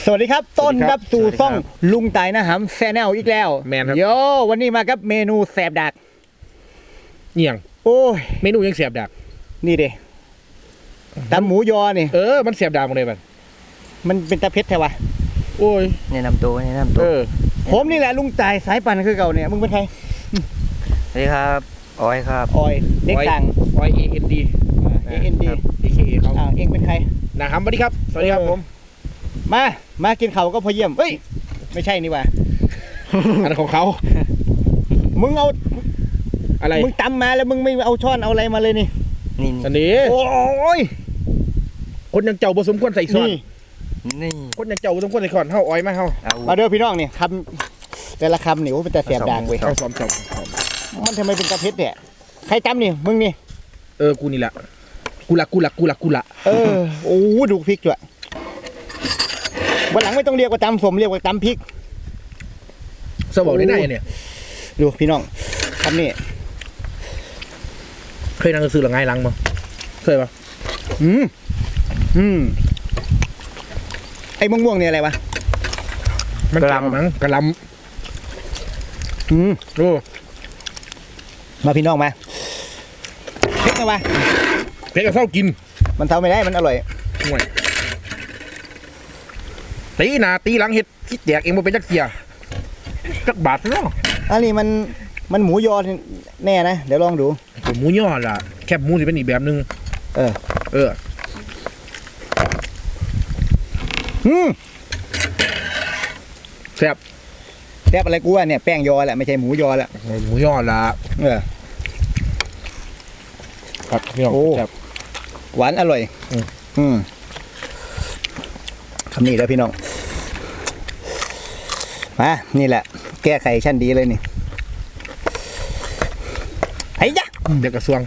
วัสดีครับต้นรับสู่ซ่องลุงไต่นะหำแซนแนลอีกแล้วแมนครับโยวันนี้มากับเมนูแสบดักเอี่ยงโอ้ยเมนูยังเสียบดักนี่เด้ตำหมูยอนี่มันเสียบดักหมดเลยมันเป็นตะเพ็ดแท้วะโอ้ยแนะนำตัวผมนี่แหละลุงไต่สายปั่นคือเก่าเนี่ยมึงเป็นใครสวัสดีครับออยครับออยเด็กสั่งออย AND AND AKA เขาเองเป็นใครนะครับสวัสดีครับสวัสดีครับผมมากินเขาก็พอเยี่ยมเฮ้ยไม่ใช่นี่วะอันของเขามึงเอาอะไรมึงตำมาแล้วมึงไม่เอาช้อนเอาอะไรมาเลยนี่อันนี้โอ้ยคนยังเจ้าผสมควรใส่ช้อนนี่คนยังเจ้าผสมควรใส่ช้อนเฮาอ้อยมาเฮามาเด้อพี่น้องนี่คำแต่ละคำนี่ว่าเป็นแต่เสียบด่างเว้ยเอาซ้อมมันทำไมเป็นตะเพ็ดเนี่ยใครตำนี่มึงนี่กูนี่แหละกูละโอ้ดูพริกด้วยวันหลังไม่ต้องเรียกว่าตำสมเรียกว่าตำพริกสบอกได้ไงเนี่ยดูพี่น้องคำนี้เคยนั่งซื้อหรือไงลังมั้งเคยปะไอ้ม่วงเนี่ยอะไรวะมันกระลำมั้งกระลำดูมาพี่น้องมาเพ็ดนะวะเพ็ดกับเศร้ากินมันเท่าไม่ได้มันอร่อยห่วยตีหน้าตีหลังเห็ดที่แจกเองมาเป็นจักเกียจักบาทเนาะอันนี้มันหมูยอแน่นะเดี๋ยวลองดูหมูยอล่ะแคบหมูสิเป็นอีกแบบนึงแซ่บอะไรกูว่าเนี่ยแป้งยอแหละไม่ใช่หมูยอแหละหมูยอล่ะครับพี่น้องแซ่บหวานอร่อยคำนี้แล้วพี่น้องมานี่แหละแก้ไขชั้นดีเลยนี่ไอ้ยะเด็กกระทรวง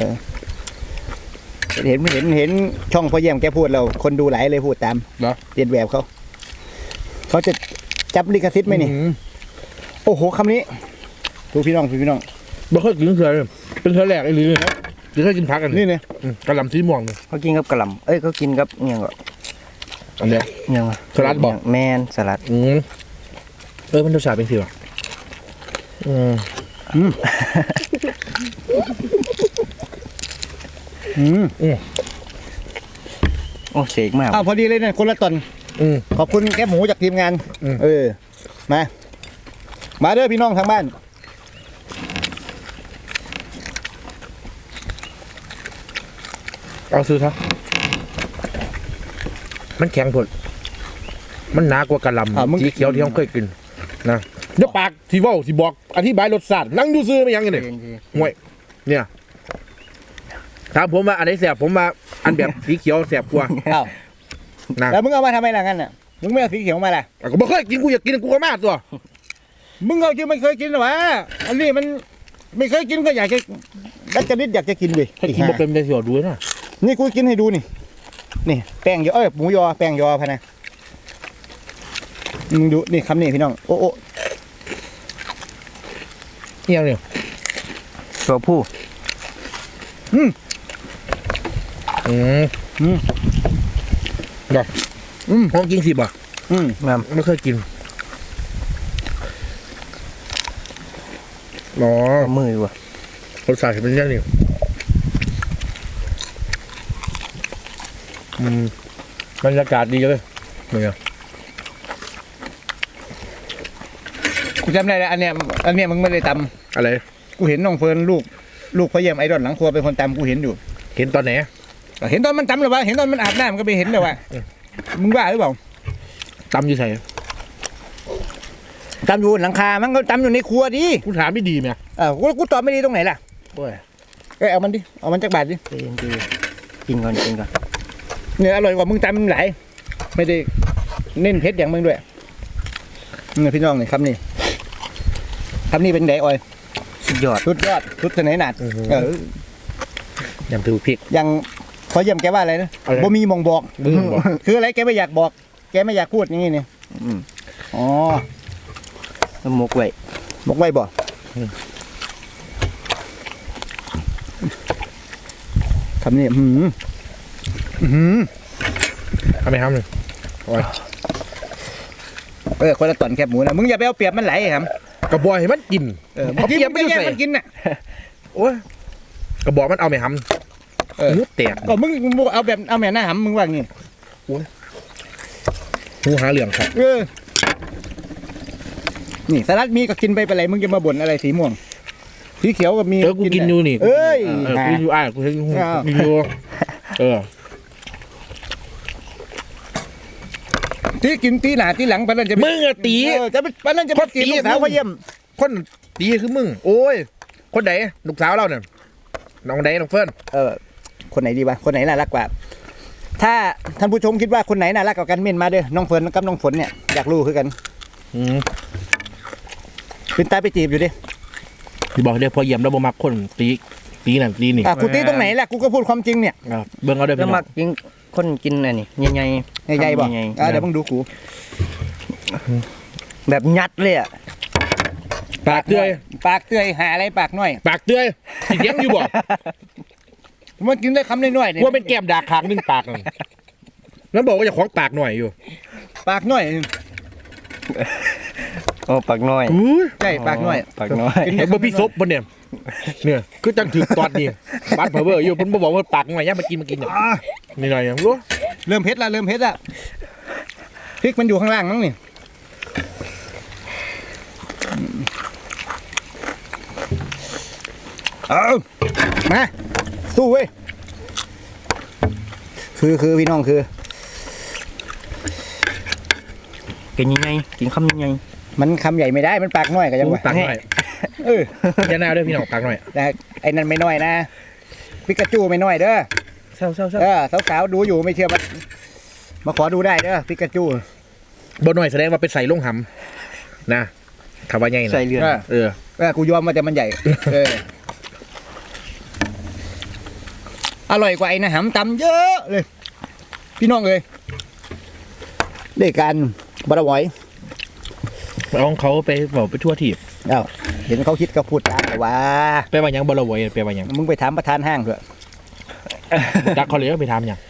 เห็นช่องพ่อเยี่ยมแกพูดเราคนดูหลายเลยพูดตามเรียนแบบเขาจะจับลิขสิทธิ์ไหมนี่โอ้โหคำนี้ดูพี่น้องบ่เคยกินเลยเป็นเธอแรกไอ้ลือครับจะเคยกินผักกันนี่เนี่ยกระหล่ำสีม่วงเลยเขากินกับกระหล่ำเขากินกับเงี้ยก็อันเนี้ยสลัดบอกแมนสลัดมันรสชาติเป็นสิวะโอ้เสกมากพอดีเลยเนี่ยคนละตอนขอบคุณแก้หมูจากทีมงานมาเด้อพี่น้องทางบ้านเอาซื้อเถอะมันแข็งผลมันหนากว่ากระลำสีเขียวที่เราเคยกินนะเดี๋ยวปากที่ว่าที่บอกอธิบายรสชาตินั่งดูซื้อไม่ยังไงเนี่ยห่วยเนี่ยถามผมว่าอันไหนแสบผมมาอันแบบสีเขียวแสบกว่าแล้วมึงเอามาทำไมล่ะงั้นน่ะมึงไม่เอาสีเขียวมาล่ะก็ไม่เคยกินกูอยากกินกูก็มาตัวมึงเอาจริงไม่เคยกินหรอวะอันนี้มันไม่เคยกินก็อยากจะดัดจริตอยากจะกินเว้ยให้กินมาเป็นได้สิวดูนะนี่กูกินให้ดูนี่แป้งยอหมูยอแป้งยอพะนะมึงดูนี่คำนี้พี่น้องโอ้นี่ยังเนี่ยตัวผู้แบบห้องกิน10 บาทไม่เคยกินมือว่ะรสชาติเป็นยังไงบรรยากาศดีเลยเนี่ยกูจำได้แล้วอันเนี้ยมึงไม่ได้ตำอะไรกูเห็นน้องเฟิร์นลูกพ่อเยี่ยมไอดอลหลังครัวเป็นคนตำกูเห็นอยู่เห็นตอนไหนเห็นตอนมันตำหรือวะเห็นตอนมันอาบน้ำมันก็ไปเห็นเลยว่ะมึงว่าหรือเปล่าตำอยู่ไหนตำอยู่หลังคามันก็ตำอยู่ในครัวดิกูถามไม่ดีไหมกูตอบไม่ดีตรงไหนล่ะโอ้ยเอามันดิเอามันจากบาทดิกินก่อนเนี่ยอร่อยกว่ามึงตำหลายไม่ได้เน้นเผ็ดอย่างมึงด้วยนี่พี่น้องนี่ครับนี่เป็นไงออยสุดยอดสุดเสน่ห์หนัดยังถือพริกยังขอเยี่ยมแกว่าอะไรนะบ่มีมองบอกคืออะไรแกไม่อยากบอกแกไม่อยากพูดอย่างนี้นี่อ๋อมกไว้บ่คำนี้ทำไมครับเลยโอ้ยคนละตอนแคบหมูนะมึงอย่าไปเอาเปรียบมันไหลครับกระบอกให้มันกินเอาเปรียบไม่แย่งมันกินน่ะโอ้ยกระบอกมันเอาไม่หำหูแตกก็มึงเอาแบบเอาแม่หน้าหำมึงว่างี้หูหาเหลืองครับนี่สลัดมีก็กินไปเป็นไรมึงจะมาบ่นอะไรสีม่วงสีเขียวก็มีกูกินอยู่นี่เอ้ยกูกินอยู่กูกินอยู่ที่กินตีหน้าตีหลังปะนั่นจะมึงอะตีจะปะนั่นจะตีลูกสาวเขาเยี่ยมคนตีคือมึงโอ้ยคนไหนลูกสาวเราเนี่ยน้องไหนน้องเฟิร์นคนไหนดีวะคนไหนน่ารักกว่า ถ้าท่านผู้ชมคิดว่าคนไหนน่ารักกว่ากันเม่นมาเด้อน้องเฟิร์นกับน้องฝนเนี่ยอยากรู้คือกันเป็นตาไปจีบอยู่ดิที่บอกเดี๋ยวพอเยี่ยมแล้วบ่มักคนตีนั่นตีนี่กูตีตรงไหนล่ะกูก็พูดความจริงเนี่ยเบิ่งเอาได้แล้วพี่น้มัอก งกินคนกินอันนี้ใหญ่ใหญ่ๆบอกใหญ่เดี๋ยวมึงดูกูๆแบบยัดเลยอ่ะปากเตื้อยปากเตื้อยหาอะไรปากน้อยปากเตื้อยสิเลี้ยงอยู่บ่มันกินได้คำน้อยๆว่าเป็นแก้มดาคางนึงปากนั่นแล้วบอกว่าจะคล้องปากหน่อยอยู่ปากน้อยโอ้ปากน้อยใช่ปากน้อยปากน้อยเห็นบ่พี่ซบบ่เนี่ยคือจังถึงตอนนี้บัดเพอเวอร์อยู่เพิ่นบ่บอกว่าปากหน่อยย่ามากินนี่หน่อยอย่างรู้เริ่มเผ็ดละพริกมันอยู่ข้างล่างมั้งนี่เอามาสู้เว้ยคือพี่น้องคือกินยังไงกินคำยังไงมันคำใหญ่ไม่ได้มันปากน้อยก็ยังว่าปากหน่อย อย่าหน้าด้วยพี่น้องปากหน่อยแต่ไอ้นั่นไม่น้อยนะปิกาจูไม่น้อยเด้อเศร้าสาวๆดูอยู่ไม่เชื่อมาขอดูได้เด้อปิกาจูบ่หน่อยแสดงว่าเป็นใส่ลงหำนะคำว่าใหญ่นะใส่เรือนกูยอมมาแต่มันใหญ่อร่อยกว่าไอ้นะหำตำเยอะเลยพี่น้องเลยได้การบารวอยเอาของเขาไปบอกไปทั่วทีบเห็นเขาคิดก็พูดตามแต่ว่าไปว่าหยังบ่ละไว้ไปว่าหยังมึงไปถามประธานห้างเถอะจักเขาเลยไปถามหยัง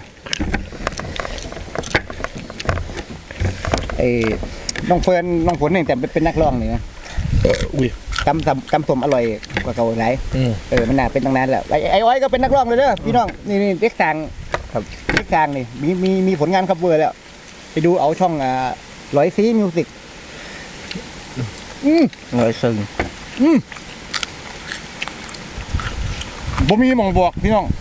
ไอ้น้องเฟิร์นน้องฝนเนี่ยแต่เป็นนักร้องนี่นะอุ้ยกำสมอร่อยกว่าเก่าหลายมันน่าเป็นตั้งนานแล้วไอ้อ้อยก็เป็นนักร้องเลยเด้อพี่น้องนี่เด็กสางครับเด็กสางนี่มีผลงานคัฟเวอร์แล้วไปดูเอาช่องร้อยซีมิวสิกร้อยซึ่งบ่มีหมองบอกพี่น้อง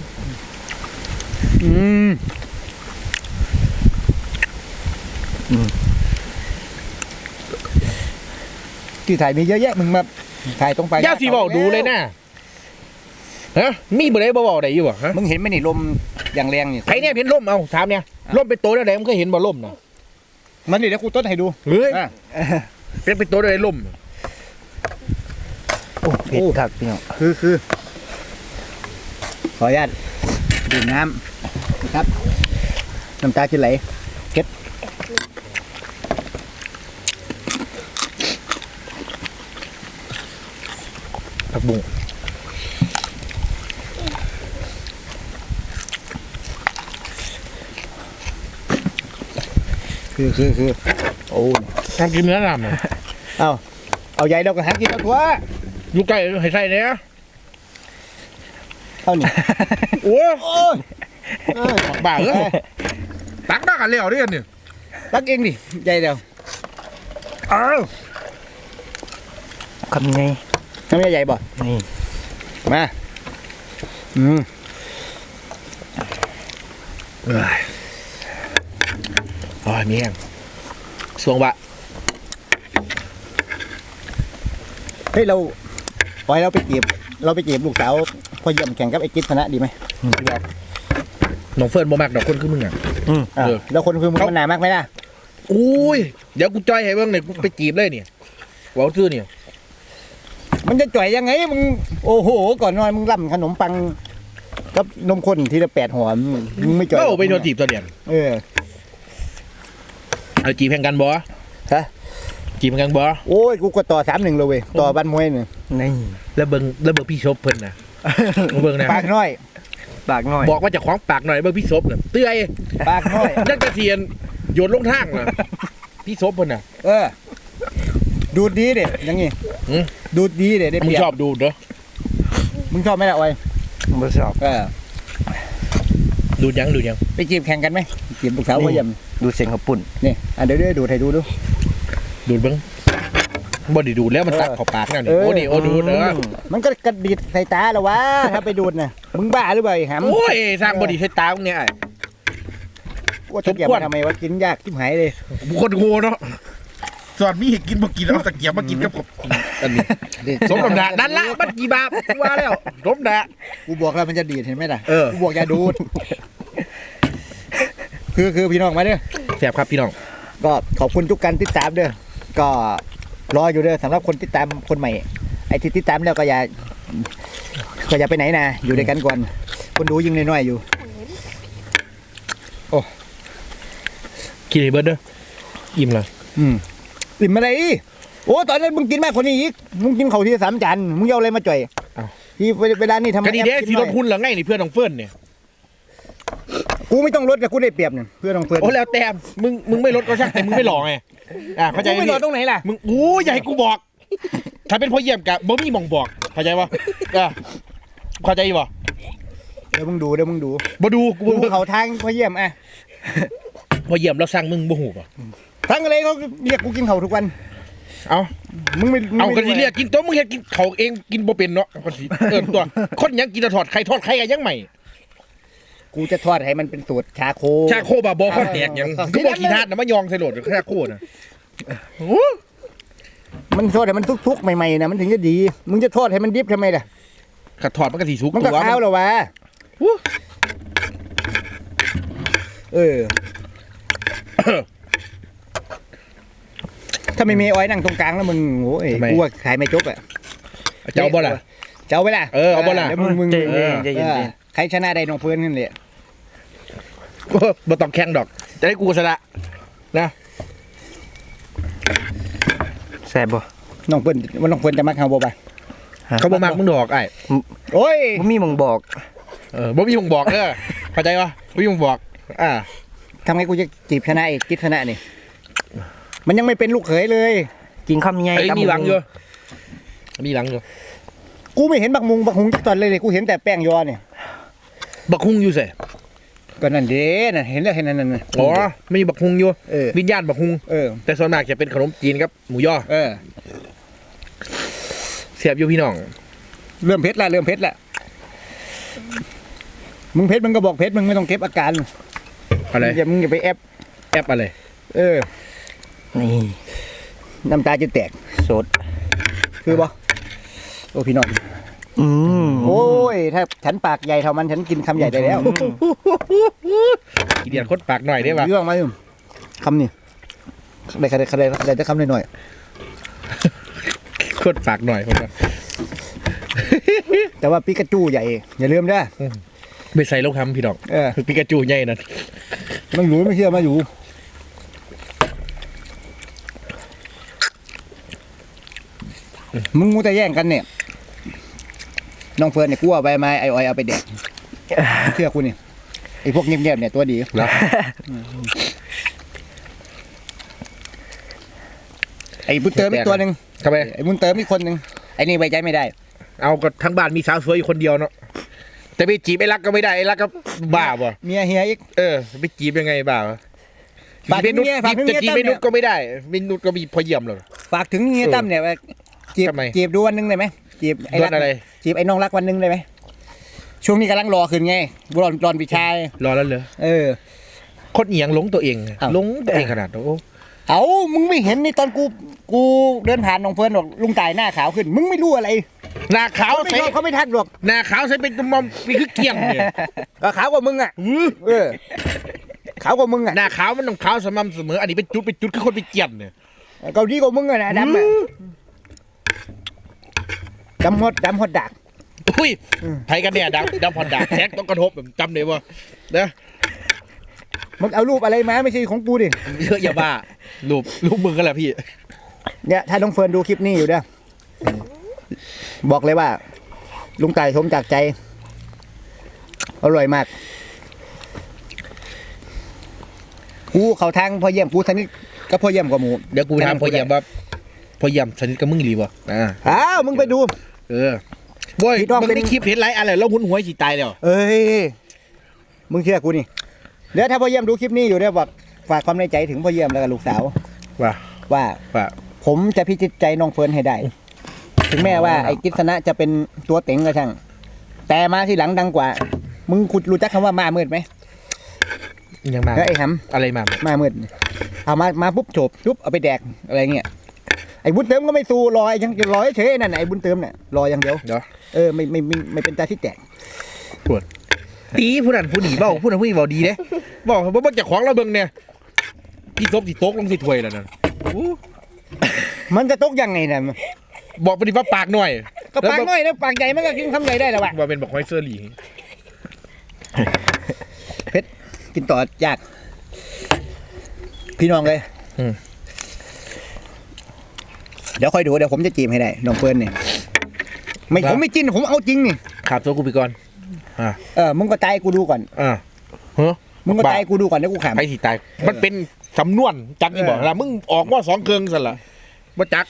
ที่ถ่ายมีเยอะแยะมึงมาถ่ายตรงไปย่าสีบอกดูเลยนะฮะมีบ่ได้บ่บอกได้อยู่บ่ฮะมึงเห็นไหมนี่ลมอย่างแรงนี่ใครเนี่ยเห็นล่มเอาถามเนี่ยล่มเป็นตัวได้มึงเคยเห็นบ่ล่มนะมันนี่เดี๋ยวกูต้นให้ดูเฮ้ยเป็นตัวได้ล่มโอ้เผ็ดคักพี่น้องคือขออนุญาตดื่มน้ำนะครับน้ำตาจะไหลเก็ดผักบุ้งคือโอ้ต้องกินเนื้อดำเนี่ยเอาใหญ่เราก็หากินเอาตัวอยู่ใกล้ให้ใส่เนี่ยเอานี่โอ้ยโอ้ยบ้าเหรอตักได้กันแล้วเนี่ยรักเองดิใหญ่เดียวเอาคำยังไงทำไมใหญ่บ่นี่มาอ๋อมีแห้งสวงบะเฮ้ยเราปล่อยเราไปจีบลูกสาวพอเยี่ยมแข่งกับไอ้กิ๊ดชนะดีไหมน้องเฟิร์นบ่มักดอกคนคือมึงอ่ะแล้วคนคือมึงมันหนามากไหมล่ะอุ้ยเดี๋ยวกูจอยให้เบิ่งเนี่ยกูไปจีบเลยเนี่ยว้าวซื่อเนี่ยมันจะจ่อยยังไงมึงโอ้โหก่อนนอนมึงร่ำขนมปังกับนมข้นทีละ8 ห่อมึงไม่จ่อยก็ไปโดนจีบตัวเดียว เอาจีบแข่งกันบ่ฮะจีบแข่งกันบ่โอ้ยกูก็ต่อ3-1เลยเว้ยต่อบ้านมวยเนี่ยนี่แล้วเบิ่งพี่ชบเพิ่นนะเบิ่งนะปากน้อยปากน้อยบอกว่าจะคล้องปากหน่อยเบิ่งพี่ชบน่ะเตื้อยปากน้อยนักเกษียณโยนลงทางน่ะพี่ซบเพิ่นน่ะดูดดีเด็อย่างงี้หืมดูดดีเด็ได้มึเปงรียบชอบดูเด้อมึงชอบไหมล่ะออยบ่ชอบดูยังไปจีบแข่งกันไหมจีบลูกสาวพ่อเยี่ยมดูเสียงข้าวปุ่นนี่เดี๋ยวดูดให้ดูดูเบิ่งบ่ได้ดูแล้วมันตักเข้าปากแล้วนี่โอ้นี่โอ้ดูเด้อมันก็กระดิดใส่ตาแล้ววะถ้าไปดูดน่ะมึงบ้าหรือเปล่าไอ้หำโอ้ยสร้างบ่ดีใส่ตาพวกเนี้ยไอ้ว่าจะเก็บมาทำไมวะกินยากชิบหายเลยคนโง่เนาะสอนมีให้กินบ่กินเอาตะเกียบมากินกับอันนี้สมน้ำหน้านั่นละมันกี่บาทว่าแล้วสมน้ำหน้ากูบอกแล้วมันจะดีดเห็นไหมล่ะเออกูบอกอย่าดูด คือพี่น้องมาเด้อแซ่บครับพี่น้องก็ขอบคุณทุกการติดตามเด้อก็รออยู่เด้อสำหรับคนติดตามคนใหม่ไอ้ที่ติดตามแล้วก็อย่าไปไหนนะอยู่ด้วยกันก่อนคนดูยิ่งน้อยๆอยู่กินให้เบิดเด้ออิ่มเลยอิ่มอะไรอีกโอ้ตอนนั้นมึงกินมากกว่านี้อีกมึงกินเขาวที่3 จานมึงเอาอะไรมาจ่อยที่เวลานี่ทำไมก็ดีเด้สิลดหุ้นเหรอไงนี่เพื่อนน้องเฟิร์นเนี่ยกูไม่ต้องลดแต่กูได้เปรียบเนี่ยเพื่อนของเพื่อนโอ้แล้วแต่มึงไม่ลดก็ช่างแต่มึงไม่หลอกไงเข้าใจกูไม่ลดตรงไหนล่ะมึงอย่าให้กูบอก ถ้าเป็นพ่อเยี่ยมกะบ่มีหม่องบอกเข้าใจปะเข้าใจปะเดี๋ยวมึงดูบ่ดูกูกูเขาทางพ่อเยี่ยมอ่ะพ่อเยี่ยมเราสั่งมึงบ่หูป่ะทั้งอะไรเขาเรียกกูกินเขาทุกวันเอามึงไม่เอากันสิเรียกกินตัวมึงเฮ็ดกินเขาเองกินบ่เป็นเนาะคนสิตัวคนยังกินทอดไข่กันยังใหม่กูจะทอดให้มันเป็นสูตรชาโคชาโคบาบ่คนแตกยังกูบอกขี้ทาดนะมายองใส่โหลดชาโคน่ะมันทอดให้มันทุกๆใหม่ๆนะมันถึงจะดี มึงจะทอดให้มันดิบทำไมล่ะขัดถอดมันก็สิสุกมันก็ตัวข้าวแล้ววะถ้าไม่มีอ้อยนั่งตรงกลางแล้วมึงโอ้ยกูว่าขายไม่จบอ่ะเจ้าบ่ล่ะเจ้าไปล่ะเอาบ่ล่ะเดี๋ยวมึงใจเย็นใครชนะได้น้องเพื่อนนั่นแหละบ่ต้องแข่งดอก จะให้กูชนะนะแซ่บบ่น้องเพื่อนว่าน้องเพื่อนจะมักเฮาบ่ป่ะเขาบ่มักมึงดอกไอ้โอ้ยบ่มีหมองบอกบ่มีมึงบอกเด้อเข้าใจปะบ่มีมึงบอกทำไงกูจะจีบชนะอีกจิตชนะนี่มันยังไม่เป็นลูกเขยเลยกินคำใหญ่มีหลังอยู่มีหลังอยู่กูไม่เห็นบักหุงจักตอนเลยกูเห็นแต่แป้งยอเนี่ยบักฮุงอยู่ใส่ก็นั่นเด้น่ะเห็นแล้วเห็นนั่นอ๋อไม่มีบักฮุงอยู่วิวิญญาณบักฮุง แต่ส่วนมากจะเป็นขนมจีนครับหมูย่อเสียบอยู่พี่น้องเริ่มเพชรละมึงเพชรมึงก็บอกเพชรมึงไม่ต้องเก็บอาการอะไรมึงอย่าไปแอปอะไรนี่น้ำตาจะแตกสดคือบ่โอ้พี่น้องโอ้ยถ้าฉันปากใหญ่เท่ามันฉันกินคำใหญ่ได้แล้วอีเดียนคดปากหน่อยได้ปะเรื่องมาอยู่คำนี่ได้แต่คำหน่อยคดปากหน่อยคนละๆแต่ว่าปิกาจูใหญ่อย่าลืมนะไม่ใส่ลูกคำพี่น้องปิกาจูใหญ่นั่นมันอยู่ไม่เชื่อมาอยู่มึงมูแต่แย่งกันเนี่ยน้องเฟิร์นเนี่ยกูเอาไปไม้ไอออยเอาไปแดกเชื่อกูนี่ไอพวกเงียบๆเนี่ยตัวดีไอ้บุญเติมอีกตัวหนึ่งทำไมไอ้บุญเติมอีกคนหนึ่งไอ้นี่ไว้ใจไม่ได้เอาก็ทั้งบ้านมีสาวสวยอยู่คนเดียวเนาะแต่ไปจีบไอ้รักก็ไม่ได้ไอ้รักก็บ้าบ่เมียเฮียอีกไปจีบยังไงบ้าฝากถึงเมียจะจีบเมนุษก็ไม่ได้เมนุษก็มีพอเยี่ยมเลยฝากถึงเฮียตั้มเนี่ยจีบดูวันหนึงได้ไหมจีบไอ้รักอะไรจีบไอ้น้องรักวันหนึงได้ไหมช่วงนี้กำลังรอขึ้นไงรอนปีชายรอแล้วเหรอคนเอียงหลงตัวเองหลงตัวเองขนาดโอ้เอามึงไม่เห็นในตอนกูเดินผ่านน้องเฟิร์นบอกลุงตายหน้าขาวขึ้นมึงไม่รู้อะไรหน้าขาวไม่ชอบเขาไม่ทักหรอกหน้าขาวใส่เป็นตุ่มมีคือเกี่ยงเนี่ยก็ขาวกว่ามึงอ่ะขาวกว่ามึงอ่ะหน้าขาวมันต้องขาวสม่ำเสมออันนี้เป็นจุดคือคนไปเกี่ยงเนี่ยเกาหลีกว่ามึงอ่ะนะดำอ่ะดำหดดักอุ้ยไทยกันเนี่ยดำพอดดาแท็กต้องกระทบแบบจำเลยว่านะมึงเอารูปอะไรมาไม่ใช่ของกูดิเยอะอย่าบ้ารูปมึงกันแหละพี่เนี่ยถ้าน้องเฟิร์นดูคลิปนี้อยู่เด้อบอกเลยว่า ลุงตายชมจากใจอร่อยมากกูเขาทางพอเยี่ยมกูสนิทก็พอเยี่ยมกว่าหมูเดี๋ยวกูถามพ่อเยี่ยมว่าพ่อเยี่ยมสนิทกับมึงหรือเปล่าอ้าวมึงไปดูบ่อยพี่น้องมึงเป็นได้คลิปเห็นไรอะไรแล้วหุ่นหัวสิตายแล้วเอ้ยมึงเชื่อกูนี่เดี๋ยวถ้าพ่อเยี่ยมดูคลิปนี้อยู่เนี่ยบอกฝากความในใจถึงพ่อเยี่ยมแล้วก็ลูกสาว ว่า ผมจะพิจิตใจน้องเฟิร์นให้ได้ ถึงแม้ว่าไอ้กิษณะจะเป็นตัวเต็งก็ช่างแต่มาที่หลังดังกว่า มึงคุณรู้จักคำว่ามามืดไหมยังมาแล้วไอ้หอะไรมาำมามืดเอามาปุ๊บโฉบปุ๊บเอาไปแดกอะไรเงี้ยไอ้บุญเติมก็ไม่สู้รอยังรอเฉยนั่นไอ้บุญเติมเนี่ยรออย่างเดียวไม่เป็นตาที่แตกปวดตีผู้นั้นผู้หนีเบ้าผู้นั้นผู้หนีเบ้าดีเด้บอกว่าจะของเราเบิ่งเนี่ยพี่ซบสิโต๊กลงสิถ้วยแล้วนั่นมันจะตกยังไงเนี่ยบอกไปดิว่าปากหน่อยก็ปากน้อยนะปากใหญ่มันก็กินคำใหญ่ได้แล้ววะว่าเป็นบอกไฮเซอร์หลีเพชรกินต่อยากพี่น้องเลยเดี๋ยวค่อยดูเดี๋ยวผมจะจีบให้ได้น้องเฟิร์นเนี่ยผมไม่จิ้นผมเอาจริงนี่ขาดตัวกูไปก่อนมึงก็ตายกูดูก่อนมึงก็ตายกูดูก่อนเดี๋ยวกูขำใครสิตายมันเป็นสำนวนจักนี่บอกแล้วมึงออกว่า2 เครื่องซะละบ่จัก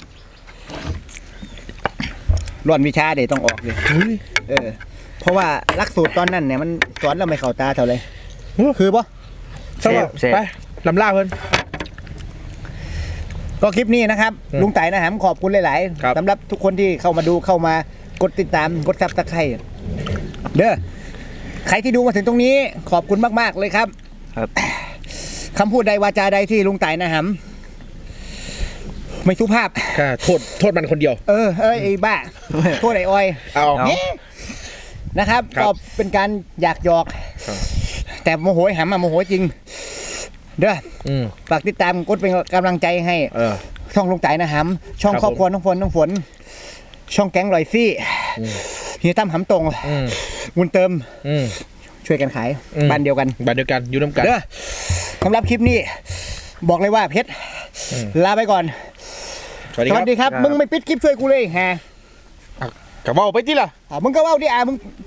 ร่อนวิชาเดี๋ยวต้องออกเลยเพราะว่าหลักสูตรตอนนั้นเนี่ยมันสอนเราไม่เข้าตาเท่าไรคือปะไปลำล่าเพิ่นก็คลิปนี้นะครับลุงไต่นะฮะขอบคุณหลายๆสำหรับทุกคนที่เข้ามาดูเข้ามากดติดตามกดซับสไครต์เด้อใครที่ดูมาถึงตรงนี้ขอบคุณมากๆเลยครับคำพูดใดวาจาใดที่ลุงไต่นะฮะไม่สุภาพโทษมันคนเดียวไอ้บ้าโทษไอ้อ้อยนะครับก็เป็นการอยากหยอกแต่โมโหหำโมโหจริงเด้อฝากติดตามกดเป็นกำลังใจให้ช่องลุงไต่นะฮะช่องครอบครัวน้องฝนช่องแก๊งลอยซี่เฮียตั้มหำตรงวุ้นเติมช่วยกันขายบ้านเดียวกันอยู่น้ำกันเด้อสำหรับคลิปนี้บอกเลยว่าเพชรลาไปก่อนสวัสดีครับมึงไม่ปิดคลิปช่วยกูเลยฮะกะเว้าไปติล่ะมึงก็เว้าดิมึง